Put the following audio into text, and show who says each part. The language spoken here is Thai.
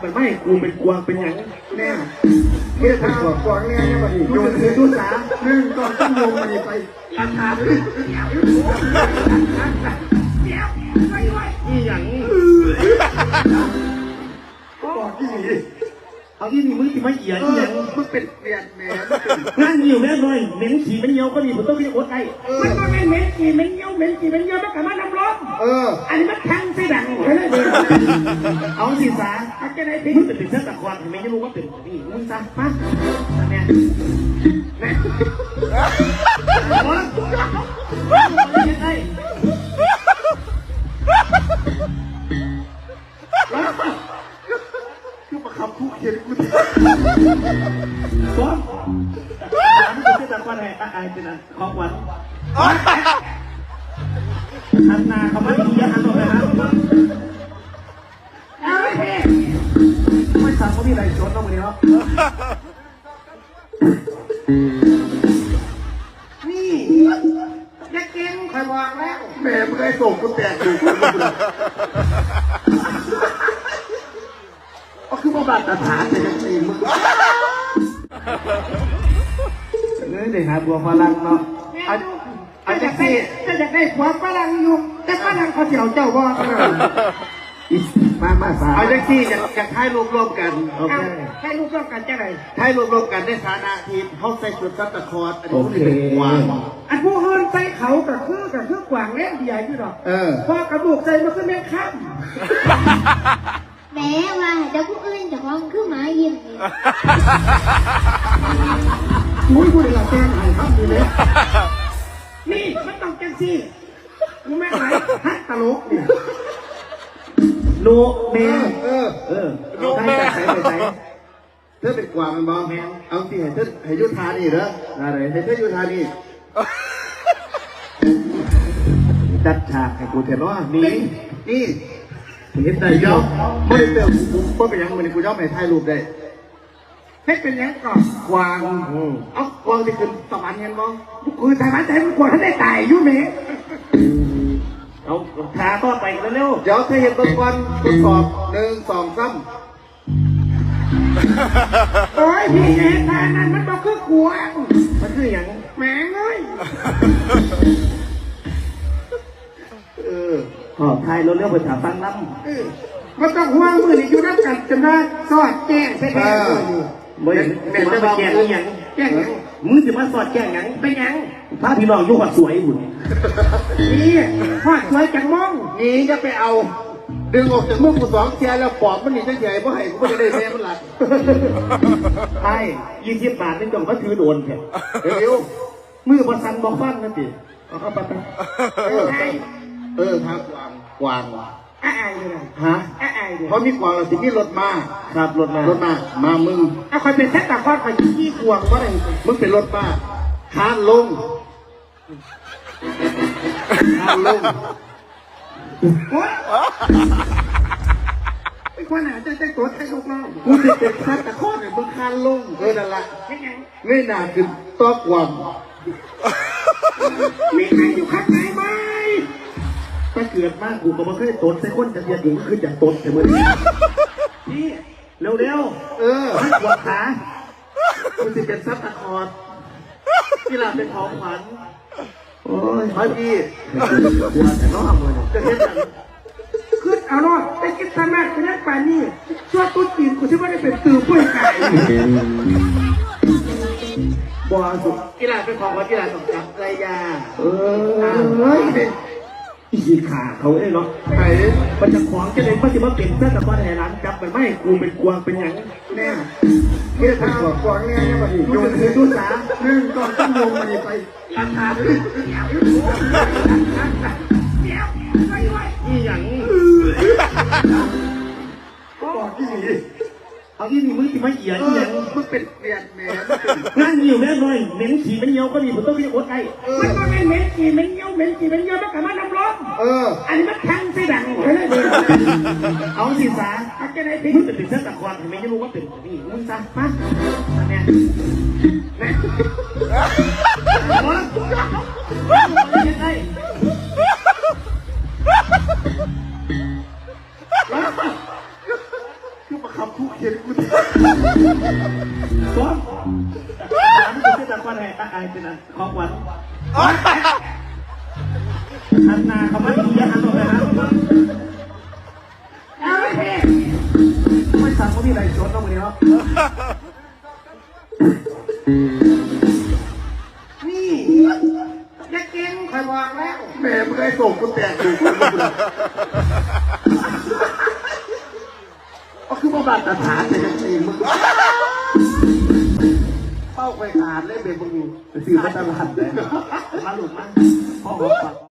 Speaker 1: ไปไม่กูเป็นกวางเป็นอย่างแน่
Speaker 2: เพื่อทางกวางเนี่ยเนี่ยมาดิโยนคือดูสาหนึ่งก่อนต้องลงมาดิไปราคาด้วย
Speaker 1: นี่อย่าง
Speaker 2: บอกที่นี่
Speaker 1: เอาที่นี่มึงที่ไม่เอียดอย่าง
Speaker 2: มึงเป็นเปลี่ยนแหม
Speaker 1: นั่นอยู่แม่เลยเหม็นขี่เหม็นเยี่ยวก็มีผมต้องเรียกว่าไอ้มันก็ไม่เหม็นขี่เหม็นเยี่ยวมันกลับมาน้ำร้อนอันนี้มันแทงไส้ดังเลยเอาสิสาเอาจะได้พี่มึงเป็นเส้นตะควันไม่รู้ว่าเป็นนี่มึงซะมาแม่แม่ไอ้
Speaker 2: คือมาคำพูดเขียนกู
Speaker 1: ซ้อมมันเป็นตะควันไอ้เป็นของหวานหันหน้าเขาไม่ดีหันออกไปหาเอาไอ้ไม่สั่งเขามีอะไรชนต้องมาเนี่ยครับ
Speaker 2: นี่อย่าเก่งใครบอกแล้วแม่มึงได้ส่งกูแตกอยู่ก็คือมาบาดตาฐานแต่ยังตีมึง
Speaker 1: เดี๋ยวหาบัวฝรั่งเนาะ
Speaker 2: อาจจะได้ความฝรั่งอยู่แต่ฝรั่งเขาเสียวเจ้าบ่มาสา
Speaker 1: เอาจังซี่อยากให้รวมกันโอเค
Speaker 2: ให้ลูกร่วมกันจะไหน
Speaker 1: ให้รวมกันในฐานะทีมเขาใส่ชุดซัตตะคอร์อันนี้เป็นกวาง
Speaker 2: อันผู้อื่นใส่เขากับคือกวางเล่นใหญ่ที่ดอกพอกระดูกใส่มาขึ้นแม่ข้าม
Speaker 3: แม้ว่าจะผู้อื่นจะมองขึ้นมายิ้ม
Speaker 2: อุ้ยพูดอะไรแกงไห้ครับดีเลยนี่มันต้องจังซี่กูแม่ไหนฮัตตลกเนี่ย
Speaker 1: โนแมว
Speaker 2: โนแมวใส่เธอเป็นกวางมันบ้าแมวเอาสิให้เธอให้ยุทธานี่เหรออะไรให้เธอยุทธานี่
Speaker 1: จัดฉากให้กูเถอะเนาะนี่
Speaker 2: เห็นได้ยอมไม่เติมกูเป็นยังไงกูยอมให้ถ่ายรูปได้ให้เป็นยังก่อนกวางเอากวางที่ขึ้นสวรรค์เห็นบ้างกูถ่ายมาแต่กวางท่านได้ตายยุ่งไหม
Speaker 1: เอาทาก็ไปเร็ว
Speaker 2: เดี๋ยวเธอเห็นตัวก่อนทดสอบ1 2 3โอ้ยพี่เอ๋ทานั้นมันบอกคือกวาง
Speaker 1: มันคืออย่าง
Speaker 2: แหมเลย
Speaker 1: ขอบไทยเร็วๆไปถามฟังน้
Speaker 2: ำมันต้องห่วงมือนี่อยู่นับกันจำได้สอดแจ้งใช่ไหม
Speaker 1: แม่จะมาแจ้งยังมึงจะมาสอดแจ้งยัง
Speaker 2: ไปยัง
Speaker 1: พระพี่น้องยุ่งกับสวยหุ่น
Speaker 2: นี่พอดสวยจังมองนี่จะไปเอาดึงออกจากมือกู2 เทียแล้วปอบมันนี่จะใหญ่เพราะให้กูไม่ได้แม่มันหลัก
Speaker 1: ใช่20 บาทนี่ต้องเขาถือโดนแค่
Speaker 2: เร็ว
Speaker 1: มือประสันบอกฟันนั่นสิเอาเข้าไป
Speaker 2: ทางกวางอ้ายเลย
Speaker 1: ฮะ
Speaker 2: อ้ายเลยเพราะมีกวางเราสิมีรถมา
Speaker 1: ครับรถ
Speaker 2: มามึงเอาคอยเป็นแท็กตาคอดคอยขี้กวางว่าอะไรมึงเป็นรถมาคานลงไอ้คนไหนจะตัวไทยลูกน้องกูจะเป็นแท็กตาคอดเนี่ยมึงคานลงนั่นแหละไม่น่าคือตัวกวางมีใครอยู่ข้างไหนไหม
Speaker 1: ถ้าเกิดมากกูก็ไม่เคยตดใส่คนจะเรียนอยู่ขึ้นจากตดแต่เมื่อนี่เร็วให้ปวดขากูจะเป็นซับตะคอร์กีฬาเป็นของขวัญ
Speaker 2: โอ้ยพี่
Speaker 1: กลัวแต่น้องเลย
Speaker 2: จะเห็นอย่างขึ้นเอาเนาะไปกินสนัดไปนั่งป่านี่ชั่วตุ้นตีนกูที่ว่าได้เป็นตื่นป่วยไก่
Speaker 1: บัวสุด
Speaker 2: กีฬาเป็นของขวัญกีฬาต้องจับไรยา
Speaker 1: อีขาเขาเอ้เนาะ
Speaker 2: ไอ้
Speaker 1: มันจะขวางจะเลยมันจะมาเปลี่ยนเสื้อตะก้อนแห่ร้านจับมันไม่กูเป็นกวางเป็นอย่าง
Speaker 2: แน่เพื่อทางกวางเนี่ยเนี่ยมาดิโยนคือดูสา1 ก่อนต้องลงมาดิไปราคาด้วย
Speaker 1: นี่อย่าง
Speaker 2: บอกที่นี่
Speaker 1: เอาที่นี่มึงที่ไม่เอียดอย่าง
Speaker 2: มึงเป็นเปลี่ยนแหม
Speaker 1: นั่นอยู่แม่เลยเหม็นขี่เหม็นเยี่ยวก็มีผมต้องเรียกว่าไอ้
Speaker 2: มันก็ไม่เหม็นขี่เหม็นเยี่ยวมันกลับมาน้ำร้อนอันนี้มันแทงไส้ดังเลย
Speaker 1: เอาสิสา
Speaker 2: เอาจะได้
Speaker 1: พี่มึงเป็นเส้นตะควันไม่รู้ว่าเป็นนี่มึงซะมาแม่ไอ้
Speaker 2: คือมาขับทุกเข็นกู
Speaker 1: ซ้อมร้านคุณจะตะวันให้เป็นของหวานอันนาเขาไม่ดีอันต่อไปนะเอาไปไม่สั่งเขามีอะไรชนต้องมีเนาะนี่จะเก่งใครบอกแล้ว
Speaker 2: แม่มึงได้ส่งกูแตกอยู่ก็คือมาบาดตาฐานแต่ยังตีมึงเป้าไปขาดเลยเบมึง
Speaker 1: ซื้อมาตลาดเลยมาหลุดมาพ่อบอก